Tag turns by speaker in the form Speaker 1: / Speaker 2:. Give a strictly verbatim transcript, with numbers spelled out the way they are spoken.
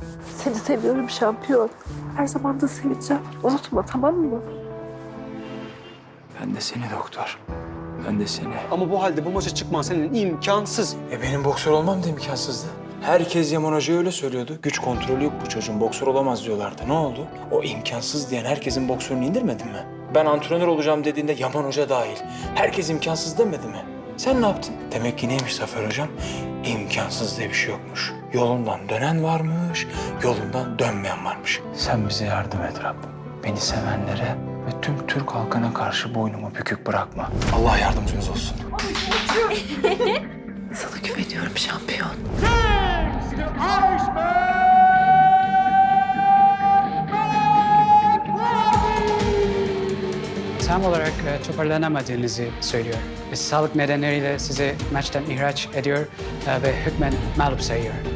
Speaker 1: Seni seviyorum şampiyon. Her zaman da seveceğim. Unutma, tamam mı?
Speaker 2: Ben de seni doktor. Ben de seni.
Speaker 3: Ama bu halde bu maça çıkman senin imkansız.
Speaker 2: E benim boksör olmam da imkansızdı. Herkes Yaman Hoca'ya öyle söylüyordu. Güç kontrolü yok bu çocuğun, boksör olamaz diyorlardı. Ne oldu? O imkansız diyen herkesin boksörünü indirmedin mi? Ben antrenör olacağım dediğinde Yaman Hoca dahil. Herkes imkansız demedi mi? Sen ne yaptın? Demek ki neymiş Zafer Hocam? İmkansız diye bir şey yokmuş. Yolundan dönen varmış, yolundan dönmeyen varmış. Sen bize yardım et Rabbim. Beni sevenlere ve tüm Türk halkına karşı boynumu bükük bırakma. Allah yardımcımız olsun.
Speaker 1: Sana güveniyorum şampiyon.
Speaker 4: Tam olarak e, toparlanamadığınızı söylüyor. Ve sağlık nedenleriyle sizi maçtan ihraç ediyor e, ve hükmen mağlup sayıyor.